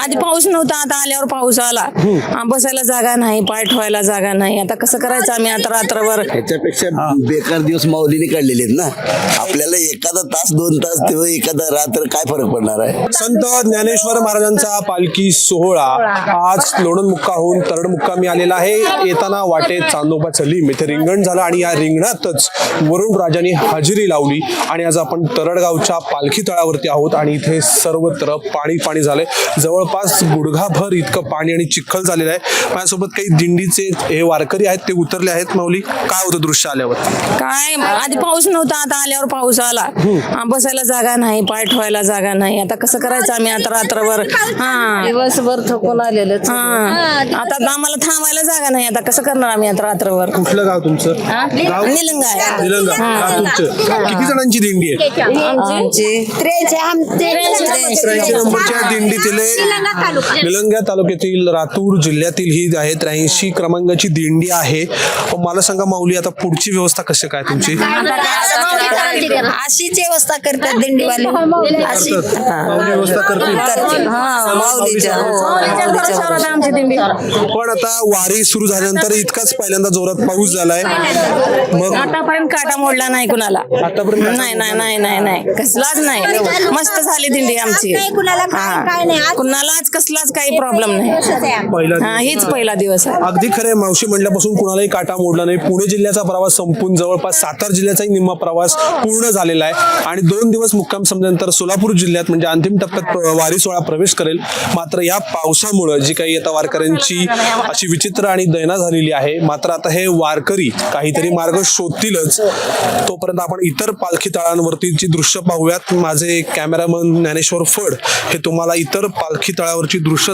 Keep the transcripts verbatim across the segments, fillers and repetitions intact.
आधी पाऊस नव्हता, आता आल्यावर पाऊस आला. हा, बसायला जागा नाही, पाय ठेवायला जागा नाही. आता कसं करायचं आम्ही आता रात्रभर? ह्याच्यापेक्षा बेकार दिवस माऊलीने काढलेले आहेत ना. आपल्याला एखादा तास दोन तास तेव्हा एखादा रात्र काय फरक पडणार आहे. संत ज्ञानेश्वर महाराजांचा पालखी सोहळा आज लोणंद मुक्काहून तरड मुक्कामी आलेला आहे. येताना वाटेत चांदोबाचं लिंब इथे रिंगण झालं आणि या रिंगणातच वरुण राजांनी हजेरी लावली. आणि आज आपण तरडगावच्या पालखी तळावरती आहोत आणि इथे सर्वत्र पाणी पाणी झालंय. जवळपास गुडघाभर इतकं पाणी आणि चिखल झालेलं आहे. माझ्यासोबत काही दिंडीचे हे वारकरी आहेत, ते उतरले आहेत. माऊली, काय होतं दृश्य आल्यावर? काय आधी पाऊस नव्हता, आता आल्यावर पाऊस आला. हा, बसायला जागा नाही, पाय ठेवायला जागा नाही. आता कसं करायचं आम्ही आता रात्रभर? हा, दिवसभर थकून आलेलं. हा, आता आम्हाला थांबायला जागा नाही. आता कसं करणार आम्ही आता रात्रभर? कुठलं गाव तुमचं? गाव निलंगा आहे. निलंगा. गाव तुमचं. किती जणांची दिंडी आहे? आमची त्र्याऐंशी नंबरच्या दिंडीतील निलंगा तालुक्यातील लातूर जिल्ह्यातील ही आहे त्र्याऐंशी क्रमांकाची दिंडी आहे. मला सांगा माऊली, आता पुढची व्यवस्था कशी काय तुमची? अशीच व्यवस्था करतात दिंडीवाले. अशी माऊली व्यवस्था करतील. हा, माऊलीच्या आमची दिंडी. पण आता वारी सुरू झाल्यानंतर इतकाच पहिल्यांदा जोरात पाऊस झालाय. मग आतापर्यंत काटा मोडला नाही कुणाला. आतापर्यंत नाही नाही नाही नाही नाही कसलाच नाही. मस्त झाली दिंडी आमची. हा, कुणालाच कसलाच काही प्रॉब्लेम नाही. पहिला हा, हीच पहिला दिवस आहे. अगदी खरं आहे मावशी, म्हटल्यापासून कुणालाही काटा मोडला नाही. पुणे जिल्ह्याचा प्रवास संपून जवळपास सातारा जिल्ह्याचाही निम्मा प्रवास पूर्ण झालेला आहे आणि दोन दिवस मुक्काम संपल्यानंतर सोलापूर जिल्ह्यात म्हणजे अंतिम टप्प्यात वारी सोहळा प्रवेश करेल. मात्र या पावसामुळे जी काही आता वारकऱ्यांची अशी विचित्र आणि दैना झालेली आहे. मात्र आता हे वारकरी काहीतरी मार्ग शोधतीलच. तोपर्यंत आपण इतर पालखी तळांवरतीची दृश्य पाहूयात. माझे कॅमेरामन ज्ञानेश्वर फड हे तुम्हाला इतर पालखी तळावरची दृश्य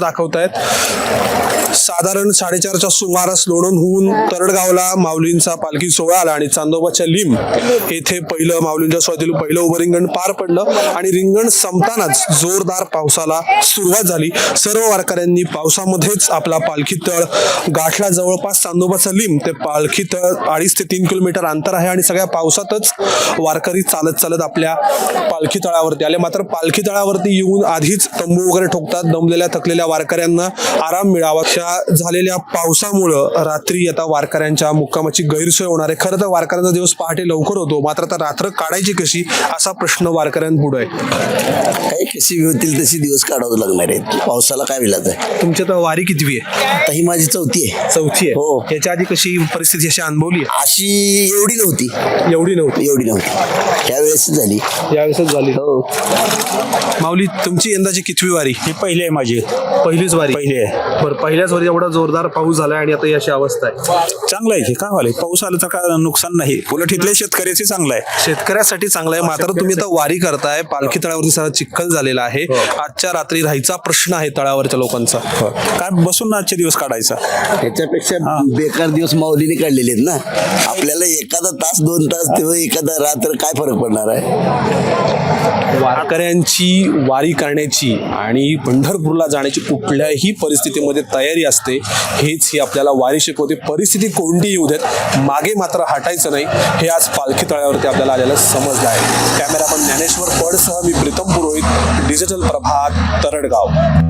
दाखवतायत. साधारण साडेचारच्या सुमारास लोणंदहून तरडगावला माऊलींचा पालखी सोहळा आला आणि चांदोबाच्या लिंब येथे पहिलं माऊलींच्या सोहळ्यातील पहिलं उभं रिंगण पार पडलं आणि रिंगण संपतानाच जोरदार पावसाला सुरुवात झाली. सर्व वारकऱ्यांनी पावसामध्येच आपला पालखी तळ गाठला. जवळपास चांदोबाचा लिंब ते पालखी तळ अडीच ते तीन किलोमीटर अंतर आहे आणि सगळ्या पावसातच वारकरी चालत चालत आपल्या पालखी तळावरती आले. मात्र पालखी तळावरती येऊन आधीच तंबू वगैरे ठोकतात. दमलेल्या थकलेल्या वारकऱ्यांना आराम मिळावा. अशा झालेल्या पावसामुळं रात्री आता वारकऱ्यांच्या मुक्कामाची गैरसोय होणार आहे. खरं तर वारकऱ्यांचा दिवस पहाटे लवकर होतो, मात्र आता रात्र काढायची कशी असा प्रश्न वारकऱ्यांपुढे आहे. काही कशी होतील तशी दिवस काढावं लागणार आहेत. पावसाला काय विलाज आहे. तुमच्या तर वारी कितवी आहे? आता ही माझी चौथी आहे. चौथी आहे. हो. याच्या आधी कशी परिस्थिती अशी अनुभवली? अशी एवढी नव्हती. एवढी नव्हती. एवढी नव्हती त्यावेळेस झाली. यावेळेस झाली. हो. माऊली, तुमची यंदाची कितवी वारी? ही पहिली आहे माझी. पहिलीच वारी. पहिली आहे. बरं, पहिल्याच वारी एवढा जोरदार पाऊस झालाय आणि आता ही अशी अवस्था आहे. चांगलं आहे की काय व्हायला, पाऊस आला तर काय नुकसान नाही. उलट इथल्या शेतकऱ्याची चांगलं आहे. शेतकऱ्यासाठी चांगलं आहे. मात्र तुम्ही आता वारी करताय, पालखी तळावरती सगळा चिखल झालेला आहे. आजच्या रात्री राहायचा प्रश्न आहे तळावरच्या लोकांचा. काय बसून आजचे दिवस काढायचा. ह्याच्यापेक्षा बेकार दिवस माऊलीने काढलेले आहेत ना. आपल्याला एखादा तास दोन तास तेव्हा एखादा रात्र काय फरक पडणार आहे. वारकऱ्यांची वारी करण्याची आणि पंढरपूरला जाण्याची कुठल्याही परिस्थितीमध्ये तयारी असते. हेच ही आपल्याला वारी शिकवते. परिस्थिती कोणती येऊ देत, मागे मात्र हटायचं नाही, हे आज पालखी तळावरती आपल्याला आलेलं समजलं आहे. कॅमेरामन ज्ञानेश्वर फडसह मी प्रीतम पुरोहित, डिजिटल प्रभात, तरडगाव.